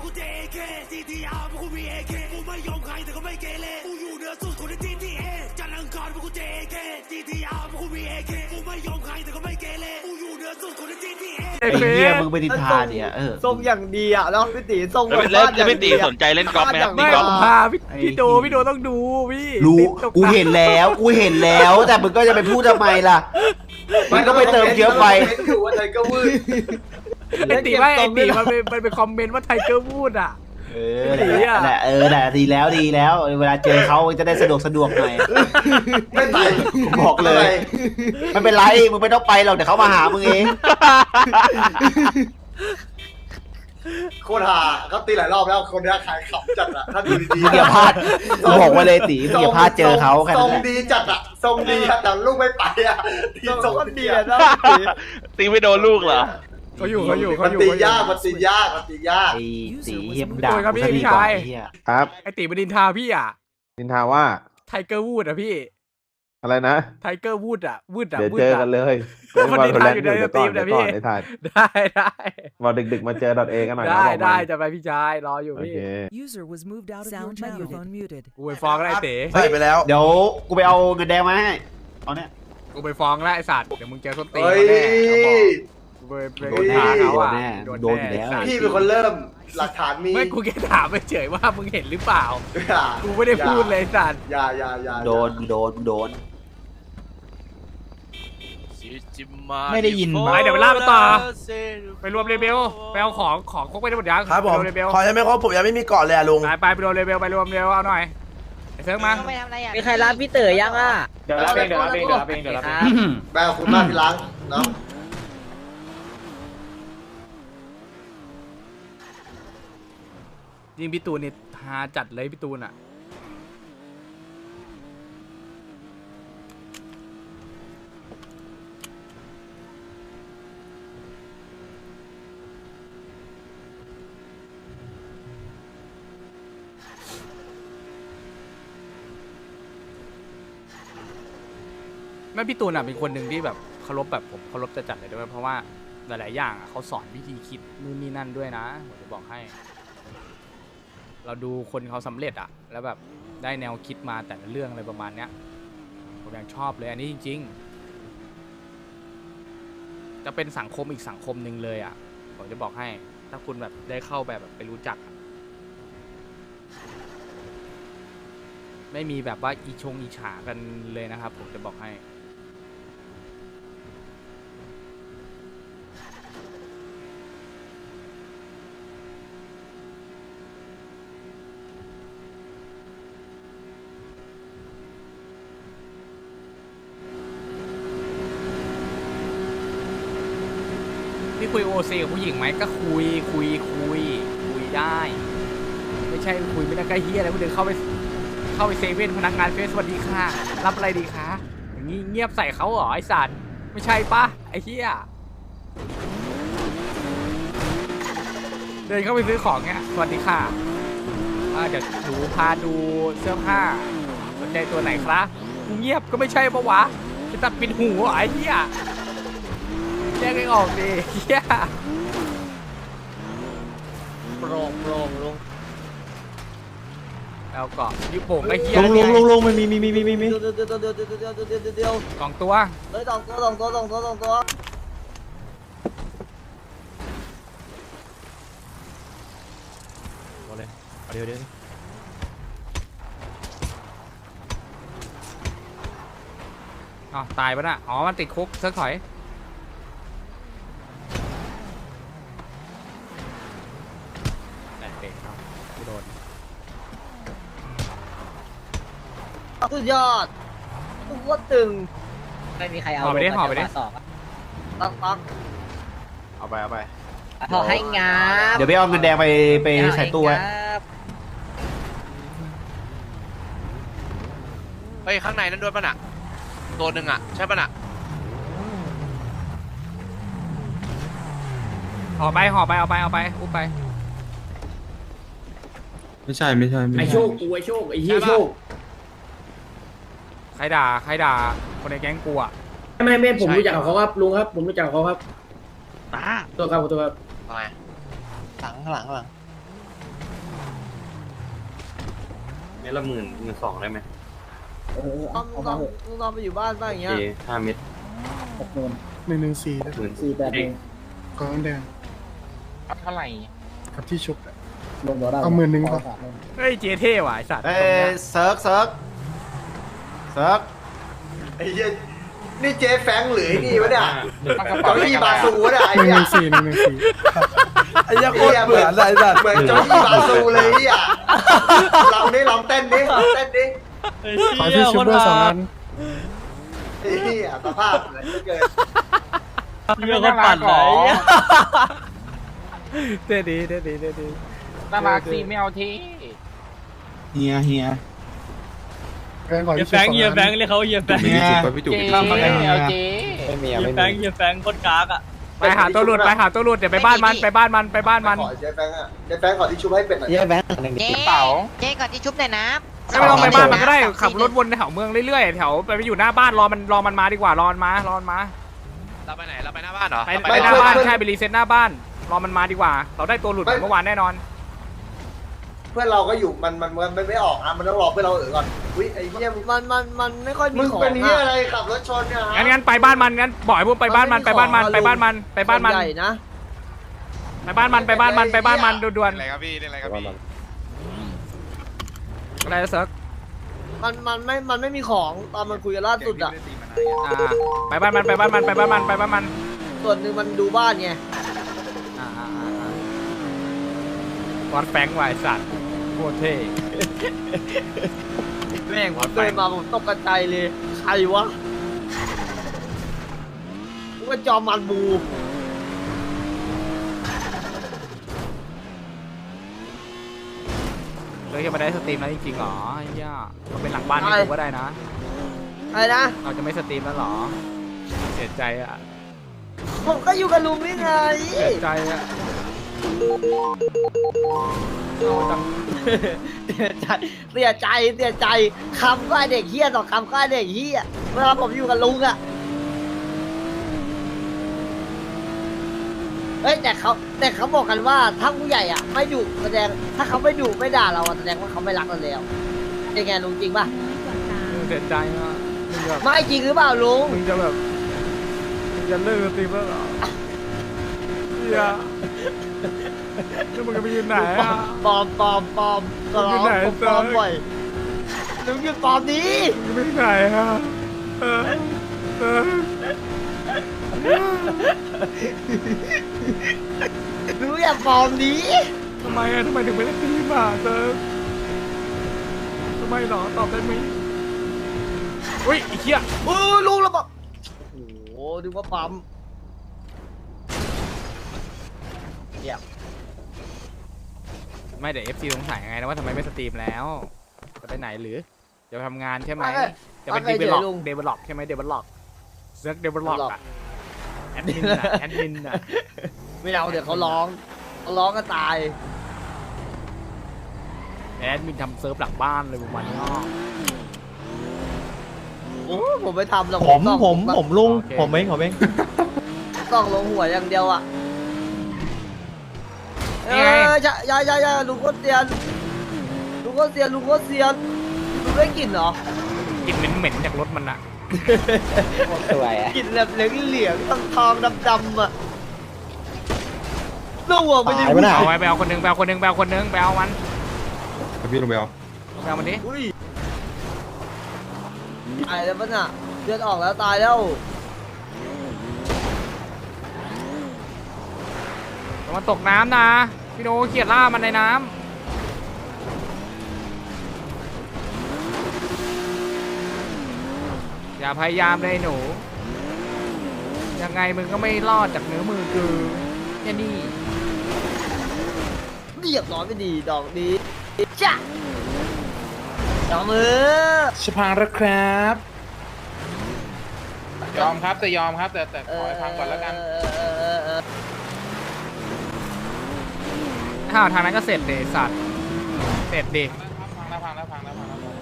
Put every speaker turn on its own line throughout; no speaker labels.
กูเจเคซีทีอาร์พวกกูมีเอเคกูไม่ยอมใครแต่ก็ไม่เกเรกูอยู่เหนือสุดคนในทีทีเอจันทร์อังคารพวกกูเจเคซีทีอาร์พวกกูมีเอเคกูไม่ยอมใครแต่ก็ไม่เกเรกูอยู่เหนือสุดคนในทีทีเอ
ไอ้เหี้ยมึงไปนินทาเนี่ย
ทรงอย่างดีอ่ะแล้วพี่ตีทรง
แล้วพี่ตีสนใจเล่นกอล์ฟไหมครับ
ไม่
ตีกอล์ฟ
พาพี่โดต้องดูพี่
รู้กูเห็นแล้วแต่มึงก็จะไปพูดทำไมล่ะมันก็ไปเติมเยอะไป
ถือว่าไทเกอร์วืด
ไอ้ตีมันเป็นคอมเมนต์ว่าไทเกอร์พูดอ่ะ
แหละแหละดีแล้วเวลาเจอเขาจะได้สะดวกหน่อย
ไม่ไป
บอกเลยไม่เป็นไรมึงไม่ต้องไปหรอกเดี๋ยวเขามาหามึงเอง
โคตรฮาเขาตีหลายรอบแล้วคนนี้ขายขำจัดอ่ะถ้าดูดี
มึงอย่าพลาดกูบอกไว้เลยตีมึงอย่าพลาดเจอเขาแค่
ทร
นั้น
ง
แหละ
ดีจัดอ่ะทรงดีแต่ลูกไม่ไปอ่ะทรงดีอ่ะ
ตีไม่โดนลูกเหรอ
เขาอยู่
มันตียาก
ไอ้ตีเหี้ยมึงด่ากูซะดีกว่าไอ้เหี้ย
ครับ
ไอ้ตีมันดินทาพี่อ่ะ
นินทาว่า
ไทเกอร์วูดอ่ะพี่
อะไรนะ
ไทเกอร์วูดอ่ะวูดอ่ะ
เดี๋ยวเจอกันเลย
มันนินทาอยู่ในสตรีมนะพี่
ไอ้ถ่าย
ได้
วันดึกๆมาเจอดอทเอกันหน่อยนะ
ได้จะไปพี่ชายรออยู่
โอ
พี่
เค
User was moved out of your microphone muted.
กูไปฟ้องแล้วไอ้เต๋
ใส่ไปแล้ว
เดี๋ยวกูไปเอาเงินแดงมาให้เอาเนี่ย
กูไปฟ้องแล้วไอ้สัตว์เดี๋ยวมึงเจอส้นตีน
เฮ้ย
แน่เขาบอกกูไปโดนด่าเขาอ่ะ
โดนอยู่แล้ว
พี่เป็นคนเริ่มหลักฐานมี
ไม่กูแค่ถามไปเฉยว่ามึงเห็นหรือเปล่ากูไม่ได้พูดเลยสัตว์
อย่า
โดน
ไม่ได้ยิน
ไปเดี๋ยวไปล่ามาต่อไปรวมเลเบลไปเอาของครบไปได้หมดยัง
ครับผม
ไปรวมเลเบล
ขอยังไม่ครบผมยังไม่มีเกาะเลยอะลุง
ไปรวมเลเบลไปรวมเลเบลเอาหน่อยไอ้เซิร์ฟมา
มีใครรับพี่เต๋อยังอ่ะ
เดี๋ยวรับเองแม่คุณมากที่ล้างเนาะ
ยิงพี่ตูนนี่ฮาจัดเลยพี่ตูนอ่ะแม่พี่ตูนอ่ะเป็นคนหนึ่งที่แบบเคารพแบบผมเคารพจะจัดเลยด้วยเพราะว่าหลายๆอย่างอ่ะเขาสอนวิธีคิดนู่นนี่นั่นด้วยนะผมจะบอกให้ เราดูคนเขาสำเร็จอ่ะแล้วแบบได้แนวคิดมาแต่ละเรื่องอะไรประมาณเนี้ยผมยังชอบเลยอันนี้จริงๆจะเป็นสังคมอีกสังคมหนึ่งเลยอ่ะผมจะบอกให้ถ้าคุณแบบได้เข้าแบบไปรู้จักอะไม่มีแบบว่าอีฉากันเลยนะครับผมจะบอกให้พี่คุยโอซีกับผู้หญิงไหมก็คุยได้ ไม่ใช่คุยไม่ได้ใกล้เฮียอะไรผู้เดินเข้าไปเซเว่นพนักงานเฟซสวัสดีค่ะรับอะไรดีคะอย่างงี้เงียบใส่เขาเหรอไอสัตว์ไม่ใช่ปะไอเฮียเดินเข้าไปซื้อของเงี้ยสวัสดีค่ะเดี๋ยวหนูพาดูเสื้อผ้าสนใจตัวไหนครับกูเงียบก็ไม่ใช่ปะวะจะตัดปิดหูเหรอไอเฮียแยกให้ออกดิเฮียโปร่งลุงแล้วก็ยุบโป่งไอ้เฮีย
ลุงมันมี
เดี๋ยว
สองตัว
เฮ้ยสองตัว
เดี๋ยว
อ๋อตายปะน่ะอ๋อมันติดคุกเซิร์ฟถอยแต่เด็กครับไม่โดน
สุดยอดทุกคนตึงไม่มีใครเอา
ห่อไปดิ
ต้อง
เอาไป
ขอให้งา
เดี๋ยวไปเอาเงินแดงไปใส่ตู้ไว้
เฮ้ยข้างในนั่นด้วยป่ะน่ะตัวหนึ่งอ่ะใช่ป่ะน่ะ
ห่อไปเอาไปอุ้มไป
ไม่ใช่
ไอโชคกูไอโชคไอเหี้ยโชค
ใครด่าคนในแก๊งกูอ่ะ
ไม่ผมรู้จักเขาครับลุงครับผมรู้จักเขาครับ
ตา
ตัวครับ
ทำไมหลัง
เม็ดละ12,000ได้ไหม
ต้องไปอยู่บ้านบ้างอย่างเงี้ย
5 เม็ด
114
18,000
ก้อนแดง
เท่าไหร่
กับที่ชุบเอา10,000ก่อน
เฮ้ยเจเท่ว่ะไอ้สัตว์
เอ้ยเซิร์กเซิร์กเซิร์ก
ไอ้เหี้ยนี่เจ๊แฟงหรือไอ้นี่วะเนี่ยเจ้าอี้บาซูวะเนี่ยไอ้เหี้ย
114
ไอ้เหี้ยโคตรเบื่อเลยสัตว์เหมือนเจ้าอี้บาซูเลยไอ้เหี้ยลองดิลองเต้นดิลองเต้นดิ
ขอที่ชุบด้วย2 อัน
ไอ้เหี้ยสภาพเหมือนเกิน
เรื่องคนปั่นเลย
เท่ดีเท่ดีเท่ดี
น่ารักสิไม่เอาที
เฮีย
แบงค์ขอที่ชุบ2 อัน
เรียกเขาเฮียแบงค์
ไม่ได้จุดป่ะพี่จุก
ไม่เอาที
เฮียแบงค์คนกากอ่ะ
ไปหาตัวหลุดไปหาตัวหลุดเดี๋ยวไปบ้านมันไปบ้านมันไปบ้านมัน
ขอเจ๊แฟงอ่ะเจ๊แฟงขอที่ชุบให้เป็ดหน่อย
เจ๊เจ๊ก่อนที่ชุบหน่อยนะ
ไม่ต้องไปบ้านมันก็ได้ขับรถวนแถวเมืองเรื่อยๆแถวไปอยู่หน้าบ้านรอมันมาดีกว่ารอมันมา
เราไปไหนเราไปหน้าบ้านเหรอ
ไปหน้าบ้านใช่ไปรีเซ็ตหน้าบ้านรอมันมาดีกว่า เราได้ตัวหลุดเมื่อวานแน่นอน
เพื่อนเราก็อยู่มันไม่ออกอ่ะมันต้องรอเพื่อนเราก่อนอุ้ยไอ้เหี้ย
มันไม่ค่อยมี
มึง
ของ
เป็นเหี้ยอะไรขับรถชนเนี่ยฮะ
งั้นไปบ้านมันงั้นบ่อยพวกไปบ้านมันไปบ้านมันไปบ้านมันไปบ้านมัน
ใหญ่นะ
ไปบ้านมันไปบ้านมันไปบ้านมันด่วน
อะไรครับพี่อะไรครับพี่
ๆอะไรเซิร์ก
มันไม่มีของตอนมันคุยกันล่าสุดอ่ะ
ไปบ้านมันไปบ้านมันไปบ้านมันไปบ้านมัน
ส่วนหนึ่งมันดูบ้านไง
วัดแฟงไวสัตว์โคตรเท่
แม่งผมเดินมาผมตกกระจายเลยใครวะกูก็จอมมันบู
เลยจะมาได้สตรีมแล้วจริงๆหรอไอ้เหี้ยมันเป็นหลังบ้านให้กูก็ได้นะ
อะไรนะ
เราจะไม่สตรีมแล้วหรอเสียใจอ่ะ
ผมก็อยู่กับลุงนี่ไง
เสียใจอ่ะเอาจัง
เสียใจคำก็ไอ้เด็กเฮี้ยต่อคำก็ไอ้เด็กเฮี้ยเวลาผมอยู่กับลุงอะเฮ้ยแต่เขาบอกกันว่าถ้าผู้ใหญ่อะไม่ดุแสดงถ้าเขาไม่ดุไม่ด่าเราอะแสดงว่าเขาไม่รักเราแล้วเป็นไงลุงจริงป่ะ
เสียใจอ่ะมึงแบบ
ไม่จริงหรือเปล่าลุง
มึงจะแบบมึงจะเลิกสตรีมแล้วเหรอเฮียแล้วมึงจะไปยืนไหนอ่ะ
ปลอมก็ร้องผมปลอมบ่อยลุงหยุดปลอมดี
มึงไปไหนอ่ะเออ
ลุงอย่าปลอมดี
ทำไมอ่ะทำไมถึงไม่ได้สตรีมอ่ะเติร์ทำไมหรอตอบได้ไหมอุ้ยไอ้เหี้ย
ลุงแล้วบอกโอ้โหดูว่าปั๊มเยี่ยม
ไม่เดี๋ยว FC สงสัยไงนะว่าทำไมไม่สตรีมแล้วจะไปไหนหรือจะไปทำงานใช่ไหมจะเป็นเดเวลลอปใช่ไหมเดเวลลอปเซิร์กเดเวลลอปอะแอดมินอะ
ไม่เอาเดี๋ยวเขาร้องก็ตาย
แอดมินทำเซิร์ฟหลังบ้านเลยประมาณนี้
โอ้ผมไม่ทำหรอก
ผมลุง
ผมเอง
ต้องลงหัวอย่างเดียวอ่ะอย่าลุงโคตรเซียนลุงได้กลิ่นเหรอก
ลิ่นเหม็นๆจากรถมันอะ
สวยอ่ะ
กลิ่นแบบเหลืองทองดำอ่ะลูกหัวไปดิ
เอาไว้ไปเอาคนนึงไปเอามัน
พี่ลงไปเอา
ไปเอามันดิ
อุ้ยตายแล้วปะน่ะเลือดออกแล้วตายแล้ว
มันตกน้ำนะพี่โนเขียดล่ามันในน้ำอย่าพยายามเลยหนูยังไงมึงก็ไม่รอดจากเนื้อมือกูแค่นี้
เรียบร้อยไม่ดีดอกนี้จ้ะดอกมือ
ชิพังแล้วครับ
ยอมครับแต่ขอให้ฟังก่อนแล้วกัน
ถ้าทางนั้นก็เสร็จเดสัตว์เสร็จดิ
พังแล้วก่อน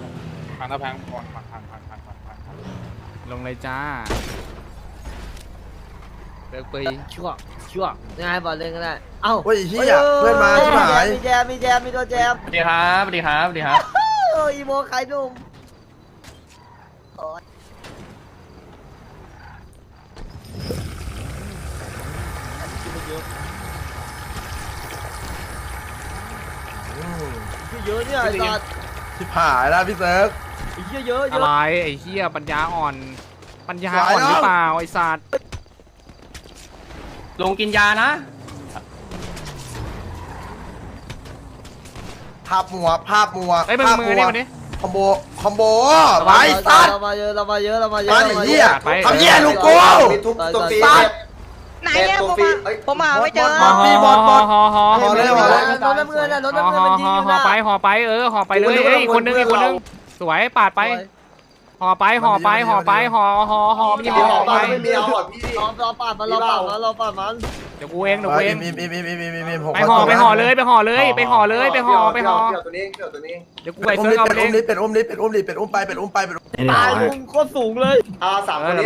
ลงเลยจ้าเลิกไป
ชั่วยังไงบอลเล่นก็ได้เอ้า
เฮ้ยเหี้ยเพื่อนมาชิบหาย
มีแจมมีตัวแจม
สวัสดีครับ
โอ้อีโมขายหนุ่มโอ้ยเยอะเนี่ยไอ้สัตว์
ที่ผ่านแล้วพี่เซิร์ฟ
ไอ้เหี้ยเยอะเย
อะไร
อะ
ไอ้เหี้ยปัญญาอ่อนปัญญาอ่อนหรือเปล่าไอ้สัตว์
ลงกินยานะ
ภาพมัวภาพมัว
ไอ้ยมึงมือนี่มันนี่
คอมโบไปสัตว์
เรามาเยอะเรามาเยอะเรามาเย
มา
อะ
ดิเหี้ย
ไป
ทำเหี้ยลูกกู
มีทุบตัวฟรี
สัตว์
ไหนเนี่ยผมหาไม่เจอ
ห่อห่อห่อ
ห่อเลย
รถน้ำเงินน่ะรถน้ำเงินมันยิงอยู่
ห่อ
นะ
ไปห่อไปห่อไปเลยเอ้ยอีกคนนึงอีกคนนึงสวยปาดไปห่อไปห่อไปห่อไปห่อมีห่อไป
ไม่มีเอาหอดพี่
รอปาดมันรอปาดมันรอปาดมัน
เดี๋ยวกูเองเดี๋ยวกูเอง
มี
ไปห่อเลยไปห่อเลยไปห่อเลยไปห่อไปห่อ
เกี่ยวตัวนี้เกี่ยวตัวนี้
เดี๋ยวกูไปเซิร์ฟเอาไปเอง
เป็นอุ้มไปเป็นอุ้มไป
ตายลุงโคตรสูงเลย
สามคนนี้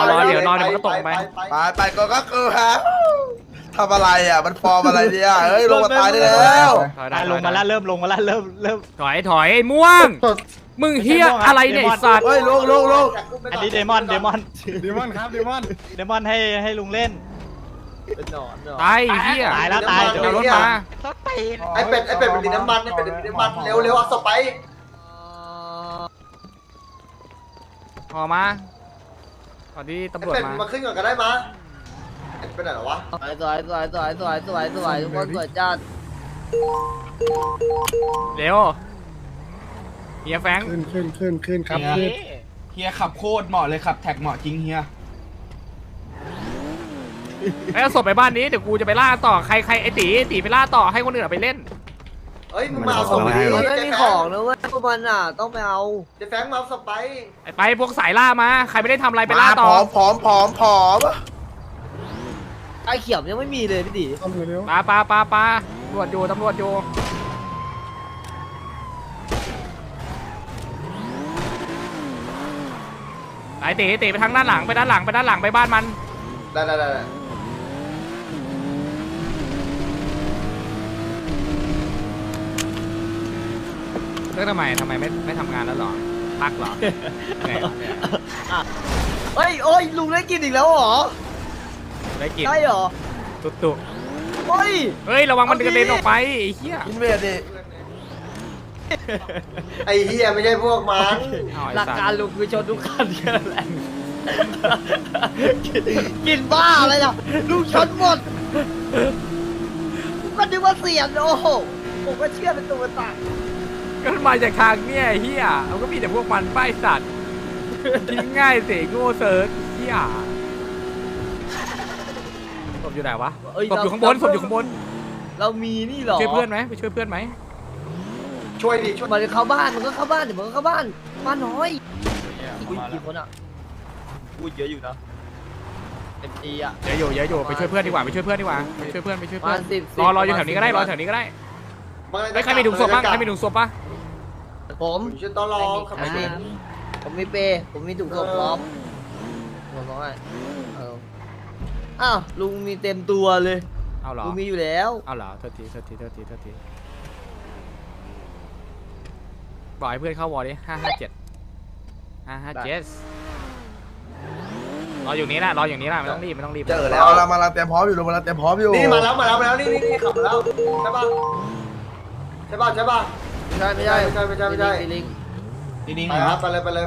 ไปก็คือฮะทำอะไรอ่ะมันฟอร์มอะไรเนี่ยเฮ้ยลงมาตายได้แล้ว
ลงมาแล้วเริ่มถอยไอ้ม่วงมึงเฮียอะไรเนี่ยไอ้สัตว์
เฮ้ยลง
อันนี้เดมอนครับเดมอนให้ลุงเล่น
เป็นหนอน
ตายไอ้เฮีย
ตายแล้วตาย
เดี๋ยวเอารถมา
ไอเป็ดเป็นดินน้ำมันไอเป็ดเป็นดินน้ำมันเร็วเอาศพไป
ห่อมาตอนนี้
ไอ
ตำรวจ
เป็ด
มา
มาขึ้นก่อนก็ได้มาเป็นไหนหรอวะ
สวยทุกคนสวยจัด
เร็วเฮียแฟง
ขึ้นครับ
เฮียขับโคตรเหมาะเลยขับแท็กเหมาะจริงเฮีย
ไอ้ศพไปบ้านนี้เดี๋ยวกูจะไปล่าต่อใครไอ้ตีไปล่าต่อให้คนอื่นไปเล่น
เฮ้ยมึงมาเอาศพไป
มันไม่มีของนะเว้ยพวกมันอ่ะต้องไปเอา
เจ๊แฟงมาเอาศพไป
ไปพวกสายล่ามาใครไม่ได้ทำอะไรไปล่าต่อ
ผอม
ไอ้เขียวยังไม่มีเลยพี่ดิ
ต้องเร็ว
ปาตำรวจอยู่ไอ้ตีไปทางด้านหลังไปบ้านมัน
ได้
เลิกทำไมไม่ทำงานแล้วหรอพักหรอไงวะเนี่ย
เฮ้ยโอ้ยลุงได้กินอีกแล้วเหรอ
ได้กิน
ใช่เหรอ
ตุ๊
เฮ้ย
เฮ้ยระวังมันกระเด็นออกไปไอ้เหี้ย
อินเวดดิไอเฮียไม่ใช่พวกมัน
หลักการลุงคือชนทุกคันแค่นั้นแหละกินบ้าอะไรล่ะลุงชนหมดก็นึกว่าเสียงโอ้โหผมก็เชื่อเป็นตัวตาย
ก็มาจากทางเนี่ยไอ้เหี้ยมันก็มีแต่พวกมันป้ายสัตว์กินง่ายสิโง่เซิร์ชเหี้ยศพอยู่ไหนวะศพอยู่ข้างบน
เรามีนี่เหรอ
ช่วยเพื่อนไหมไปช่วยเพื่อนไหม
ช่วยดิช่วย
มันเข้าบ้านมันก็เข้าบ้านเดี๋ยวมันก็เข้าบ้านบ้านน้อยอุ้ยกี่คนอ่ะอุ้ยเยอะอยู่นะเต็มทีอ่ะ
เยอะอยู่ไปช่วยเพื่อนดีกว่าไปช่วยเพื่อน
มาสิบ
รออยู่แถวนี้ก็ได้ไม่ใครมีถุงศพบ้างปะ
ผม
ชื่อตอรอขับไปดิ
ผมมีเปย์ผมมีถุงศพพร้อมผมบอกให้อ้าวลุงมีเต็มตัวเลย
เอาเหรอ
ลุงมีอยู่แล้ว
เอาเหรอโทษทีบอกให้เพื่อนเข้าวอลดิ557รออยู่นี้แหละไม่ต้องรีบ
เจอแล้วเรามาเตรียมพร้อมอยู่นี่มาแล้วนี่ขับมาแล้วใช่ป่ะ
ไม่ใช่ลิง
นี่
ไป
ครับ
ไปเลยไปเลย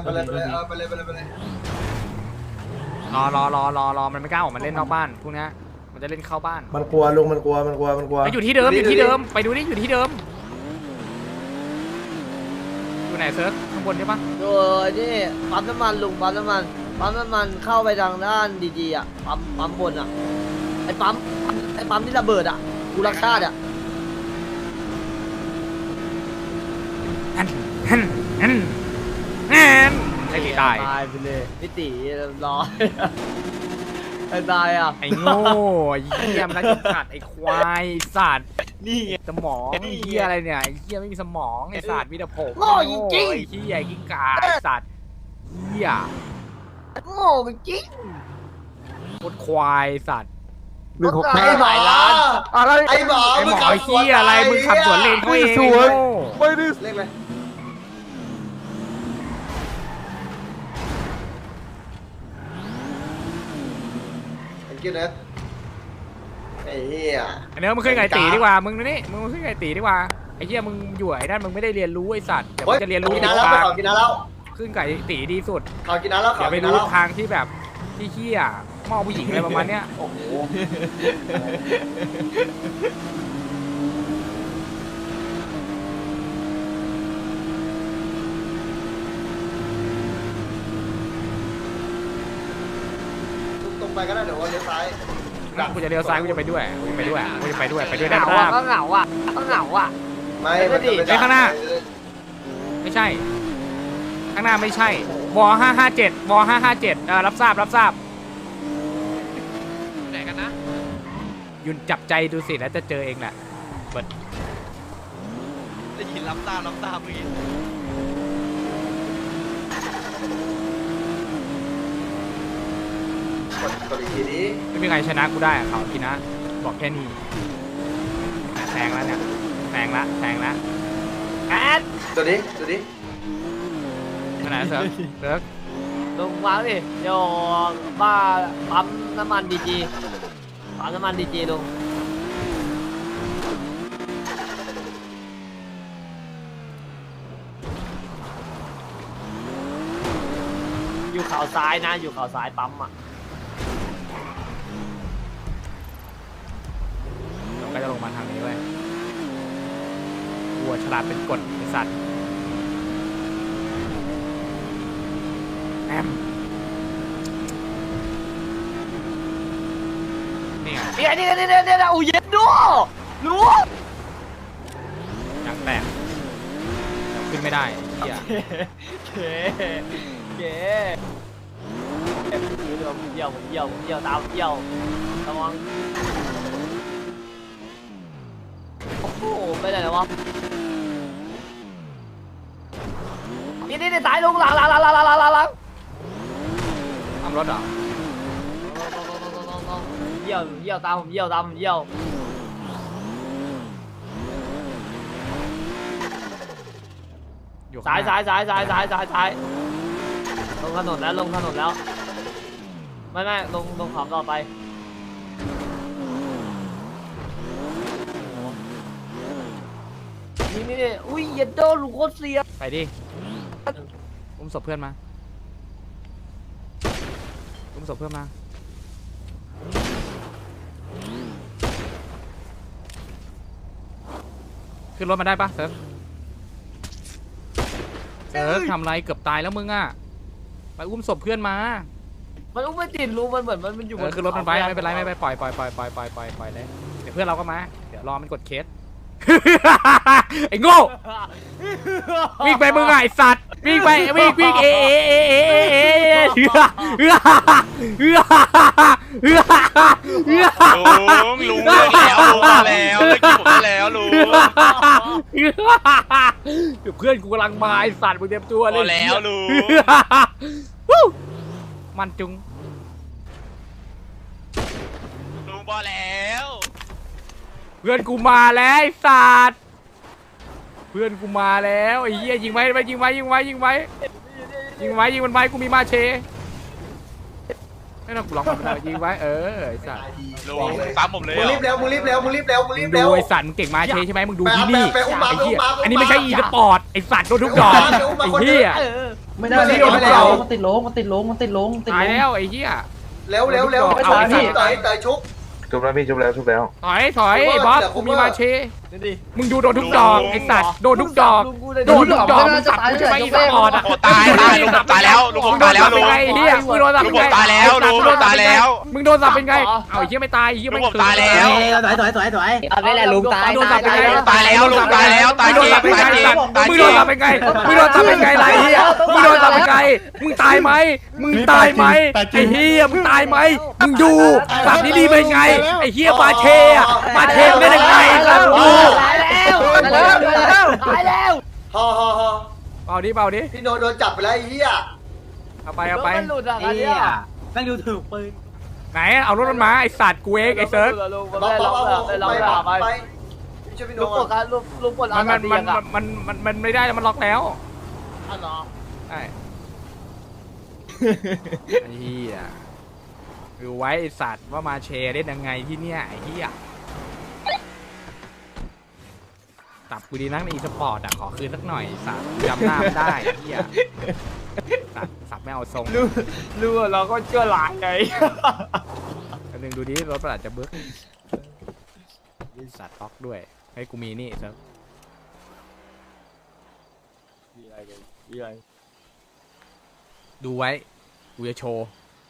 รอมันไม่กล้าออกมาเล่นนอกบ้านพวกนี้มันจะเล่นเข้าบ้าน
มันกลัวลุงมันกลัว
อยู่ที่เดิมไปดูดิอยู่ที่เดิมอยู่ไหนเซิร์ฟข้างบนใช่ปะ
โอ้ยนี่ปั๊มน้ำมันลุงปั๊มน้ำมันเข้าไปทางด้านดีๆอ่ะปั๊มบนอ่ะไอ้ปั๊มที่ระเบิดอ่ะกูรักชาติอ่ะ
ไอ้ตีตาย
ไปเลยพี่ตีรอไอ้ตายอ่ะ
ไอ้โง่ไอ้เหี้ยมันรักขาดไอ้ควายสัตว์
นี่
สมองไอ้เหี้ยอะไรเนี่ยไอ้เหี้ยไม่มีสมองไอ้สัตว์มีแต่ผม
โง่จริง
ไอ้เหี้ยกิ้งก่าไอ้สัตว์เหี้ย
โง่จริง
โคตรควายสัตว์
ไอ้หมออะไรไอ้หมอ
ไอ้หมอไอ้เหี้ยอะไรมึงขับสวนเลนเขาเองไอ้โง่
เลขอะไร you นะไอ้เหี้ย
ไอ้เนื้อมึงขึ้นไก่ตีดีกว่ามึงนี่มึงขึ้นไก่ตีดีกว่าไอ้เหี้ยมึงอยู่ไอ้นั่นมึงไม่ได้เรียนรู้ไอ้สัตว์เดี๋ยวมึงจะเรียนรู้
กินน้ำแล้วไปขอกินน้ำแล้ว
ขึ้นไก่ตีดีสุด
ขอกินน้ำแล้วข
อ
อย่าง
ไป
กิน
รู้
น้ำแล้ว
ทางที่แบบที่เหี้ยมองผู้หญิงอะไรประมาณเนี้ย
โอ้โหตรงไปก็ได้เดี๋ยววันเลี้ยวซ้าย
กูจะเลี้ยวซ้ายกูจะไปด้วยกูจะไปด้วยกูจะไปด้วยไปด้วย
เห
ได้
งา
ปะ
อ่ะก็เหงาอ่ะก็เหงาอ่ะ
ไม่มันจะไป
ไอ้ข้างหน้า ไม่ใช่ ข้างหน้าไม่ใช่ว557ว557รับทราบรับทราบ
ไหนกันนะ
ยุนจับใจดูสิแล้วจะเจอเองแหละเบิด
ได้ยินรับตามเมื่อกี้
กดอีกทีนี้
ไม่มีใครชนะกูได้อะเขาพี่นะบอกแค่นี้แซงแล้วเนี่ยแซงละแอด
ตัวนี้ตัวนี้
ขนาดเซิร์ฟเซิร์ฟ
ลงวางดิเดี๋ยวบ้าปั๊มน้ำมันดีจีปั๊มน้ำมันดีจีลงอยู่เขาซ้ายนะอยู่เขาซ้ายปั๊มอ่ะ
เราก็จะลงมาทางนี้เว้ยวัวฉลาดเป็นกฎไอสัตว์แอมนี่ไง
เนี่ยอู้เย็นดูรู้
ยางแตกขึ้นไม่ได้เหี้ย
เก๋ผมเยี่ยวตามเยี่ยวระวังโอ้โหไปไหนแล้ววะนี่สายลงหลัง
ทำรถเหรอ
เยี่ยวตามผมเยี่ยว
อยู่
สายลงถนนแล้วไม่ลงขอบต่อไปนี่อุ้ยเย็นโดลูกโคตรเสีย
ไปดิอุ้มศพเพื่อนมาขึ้นรถมาได้ปะเซิร์ฟทำไรเกือบตายแล้วมึงอ่ะไปอุ้มศพเพื่อนมา
มันอุ้มไม่ติดรู้มันเหมือนมันอยู่บน
ขึ้นรถมันไปไม่เป็นไรปล่อยเลยเดี๋ยวเพื่อนเราก็มาเดี๋ยวรอมันกดเคส ไอ้โง่วิ่งไปมึงไอ้สัตว์วิ่งเ
ลุงเลิกแล้วเลิกกินผมได้แล้วลุง
เดี๋ยวเพื่อนกูกำลังมาไอ้สัตว์มึงเตรียมตัวเลย
พอแล้วลุง
มันจุง
ลุงพอแล้ว
เพื่อนกูมาแล้วไอ้สัตว์เพื่อนกูมาแล้วไอ้เหี้ยยิงไว้ยิงมันไปกูมีมาเชไม่ต้องกูล็อกมันเลยยิงไว้ไอ้สัตว์
ลุงตามผมเลย
มึงรีบเร็ว
ดูไอ้สัตว์มึงเก่งมาเชใช่ไหมมึงดูที่นี่
ไปอุ้มมา
ไอ้เหี้ย
ไปอุ้มมา
อันนี้ไม่ใช่อีสปอร์ตไอ้สัตว์โดนทุกดอกไอ้เหี้ย
ไม่ได้ไม่ได้
มันติดโลง
ตายแล้วไอ้เหี้ย
เร็วต่อยชุบ
ถอยไอ้บอสกูมีมาเชมึงดูโดนทุกดอกไอ้สัตว์โดนทุกดอกมึงสับกูใช่ไหมอีสปอร์ตอ่ะ
ตายลุงผมตายแล้วลุงผมตายแล้วลุง
ไอ้เหี้ยมึงโดนสับ
ลุง
เป็น
ผม
ไง
ตายแล้วลุงผมตายแล้ว
มึงโดนสับเป็นไงเอาไอ้เหี้ยไม่ตายไอ้เหี้ย
ลุ
ไม่
งผมตายแล้ว
เอาได้แหละลุงตาย
โดนสับเป็นไง
ตายแล้วลุงตายแล้วตาย
มึงโดน
จริ
สับ
ง
เป็นไง
ตายจริง
สัตว์
ตาย
มึง
จ
โด
ริ
น
ง
สับเป็นไงมึงโดนสับเป็นไงไรเหี้ยมึงโดนสับเป็นไงมึงตายไหมมึงตายไหมไอ้เหี้ยมึงตายไหมมึงดูสับนี้ดีเป็นไงไอ้เหี้ยมาเชอะมาเชได้ยังไงสัตว์ดู
ตายแล้ว
ฮอ
เบาดิ
พี่โดนจับไปแล้วไอ้เหี้ย
เอาไป
มันหลุดอ่ะอันเนี้ย
นั่งดูถูกปืน
ไหนเอารถมันมาไอสัตว์กูเองไอเซิร์ฟ
บ๊อบ
ไป
ช่วยพี่โด
ลุงปลดครับลุงปลด
มันไม่ได้มันล็อกแล้ว
อ๋อเหรอ
ใช่ไอ้เหี้ยดูไว้ไอสัตว์ว่ามาเชเล่นยังไงที่เนี่ยไอ้เหี้ยตับกูดีนักในอีสปอร์ตอ่ะขอคืนสักหน่อยสัตว์จำหน้าไม่ได้ไอ้เหี้ยสับไม่เอาทรง
รู้ว่าเราก็เชื่อหลายไง
อันหนึ่งดูดิรถประหลาดจะบึ้กสัตว์ล็อกด้วยให้กูมีนี่เซิร์ฟดูไว้กูจะโชว์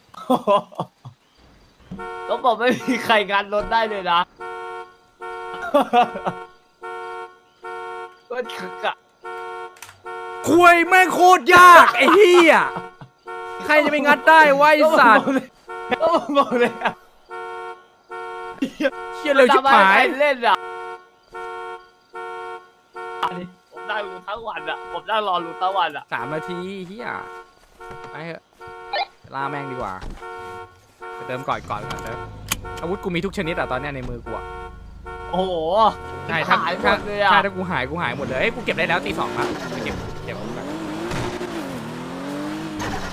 ต้องบอกไม่มีใครงานรถได้เลยนะก็คึกอ่ะ
คุยแม่งโคตรยากไอ้เหี้ยใครจะไปงัดได้วะไอ้สัตว์
ก็บอกเลยอะ
เชี่ยเร็วชิบหาย
เล่นอ่ะผมนั่งรู้ทั้งวันอ่ะผมนั่งรอรู้ทั้งวันอ่ะ
3 นาทีเหี้ยไปเถอะลาแม่งดีกว่าไปเติมก่อนเติมอาวุธกูมีทุกชนิดอ่ะตอนเนี้ยในมือกูอ่ะ
โอ้โห
ใช่ถ้า
หายหม
ถ้า
ดเลยอ่ะ
ถ้ากูหายหมดเลยเอ้ยกูเก็บได้แล้วตี 2ละไปเก็บก่อน